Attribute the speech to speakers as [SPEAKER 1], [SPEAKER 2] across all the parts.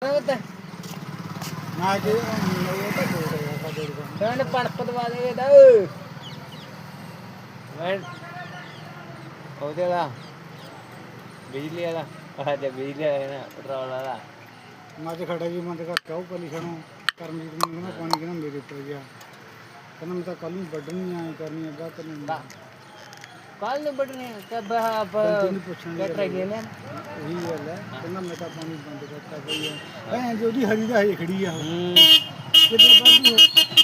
[SPEAKER 1] ਨਾ ਕਿ
[SPEAKER 2] ਡੰਡ ਪਣਪ ਦਵਾ ਦੇ ਦਾ ਮੈਂ ਉਹਦੇ ਦਾ ਬਿਜਲੀ ਵਾਲਾ ਆਹ ਬਿਜਲੀ ਵਾਲਾ ਨਾ ਪੈਟਰੋਲ ਵਾਲਾ
[SPEAKER 1] ਮੈਂ ਤੇ ਖੜਾ ਜੀ ਮੈਂ ਤੇ ਘਰ ਕਾਉ ਪਲੀ ਖਣੋ ਕਰਮਜੀਤ ਨੂੰ ਕਹਿੰਦਾ ਪਾਣੀ ਕਿਹਨਾਂ ਮੇਰੇ ਉੱਪਰ ਗਿਆ ਕਹਿੰਦਾ ਮੈਂ ਤਾਂ ਕੱਲ ਨੂੰ ਵੱਢਣੀ ਆਏ ਕਰਨੀ ਅੱਗਾ ਕਰਨੀ
[SPEAKER 2] ਕੱਲ ਨੂੰ ਵੱਢਣੀ ਤੇ ਬਾਪ ਟਰੈਕਟਰ ਲੈ ਲੈ
[SPEAKER 1] ਉਹੀ ਗੱਲ ਹੈ ਕਹਿੰਦਾ ਮੈਂ ਤਾਂ ਪਾਣੀ ਬੰਦ ਕਰਤਾ ਪਈ ਆ ਭੈਣ ਜੀ ਉਹਦੀ ਹਰੀ ਦਾ ਹਜੇ ਖੜੀ ਆ ਕਿਤੇ ਬੰਦ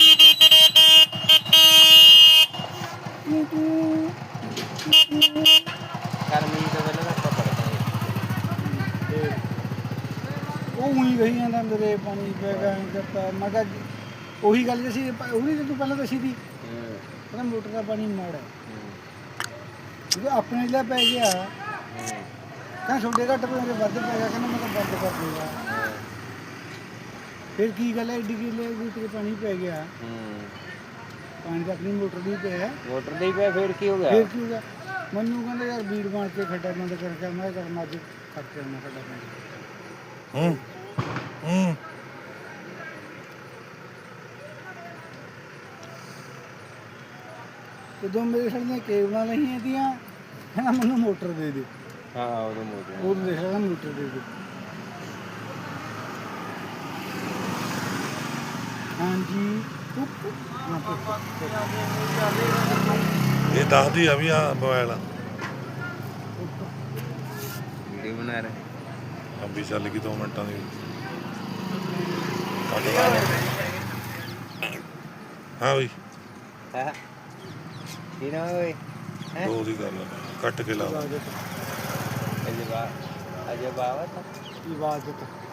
[SPEAKER 2] ਕਰਮਜੀਤ ਤੋਂ ਪਹਿਲਾਂ ਆਪਾਂ ਪੜਦੇ
[SPEAKER 1] ਉਹ ਉਹੀ ਕਹੀ ਜਾਂਦਾ ਮੇਰੇ ਪਾਣੀ ਪੈ ਗਿਆ ਕਰਤਾ ਮੈਂ ਕਿਹਾ ਉਹੀ ਗੱਲ ਜੇ ਸੀ ਉਹਨੇ ਤੂੰ ਪਹਿਲਾਂ ਦੱਸੀ ਸੀ ਕਹਿੰਦਾ ਮੋਟਰ ਦਾ ਪਾਣੀ ਮਾੜਾ ਜਦੋਂ ਆਪਣੇ ਲਈ ਪੈ ਗਿਆ ਕਹਿੰਦਾ ਛੋਟੇ ਘੱਟ ਮੇਰੇ ਵੱਧ ਪੈ ਗਿਆ ਕਹਿੰਦਾ ਮੈਂ ਤਾਂ ਬੰਦ ਕਰ ਦੂੰਗਾ ਫਿਰ ਕੀ ਗੱਲ ਹੈ ਏਡੀ ਕਿਲੇ ਤੇਰੇ ਪਾਣੀ ਪੈ ਗਿਆ ਪਾਣੀ ਤਾਂ ਆਪਣੀ ਮੋਟਰ ਦੀ ਪਿਆ
[SPEAKER 2] ਮੋਟਰ ਦੀ ਪਿਆ ਫਿਰ ਕੀ ਹੋ ਗਿਆ
[SPEAKER 1] ਮੈਨੂੰ ਕਹਿੰਦਾ ਯਾਰ ਬੀੜ ਬਣ ਕੇ ਖੱਡਾ ਬੰਦ ਕਰਕੇ ਮੈਂ ਕਰਨਾ ਅੱਜ ਖਰਚਾ ਨਾ ਖੱਡਾ ਬੰਦ ਜਦੋਂ ਮੇਰੇ ਸਾਹਮਣੇ ਕੇਬਲਾਂ ਨਹੀਂ ਆਦੀਆਂ ਕਹਿੰਦਾ ਮੈਨੂੰ ਮੋਟਰ ਦੇ ਦੇ
[SPEAKER 2] ਹਾਂ ਉਹਨੂੰ ਮੋਟਰ
[SPEAKER 1] ਉਹ ਦੇਖ ਰਿਹਾ ਮੋਟਰ ਦੇ ਦੇ ਹਾਂਜੀ
[SPEAKER 3] ਇਹ ਦੱਸਦੀ ਆ ਵੀ ਆ ਮੋਬਾਈਲ ਆ
[SPEAKER 2] ਵੀਡੀਓ ਬਣਾ ਰਹੇ
[SPEAKER 3] ਅੰਬੀ ਚੱਲ ਗਈ 2 ਮਿੰਟਾਂ ਦੀ ਹਾਂ ਬਈ
[SPEAKER 2] ਹਾਂ ਕੀ ਨਾ ਓਏ
[SPEAKER 3] ਦੋ ਦੀ ਗੱਲ ਆ ਕੱਟ ਕੇ ਲਾ
[SPEAKER 2] ਅਜੇ ਬਾਤ
[SPEAKER 1] ਇਬਾਦਤ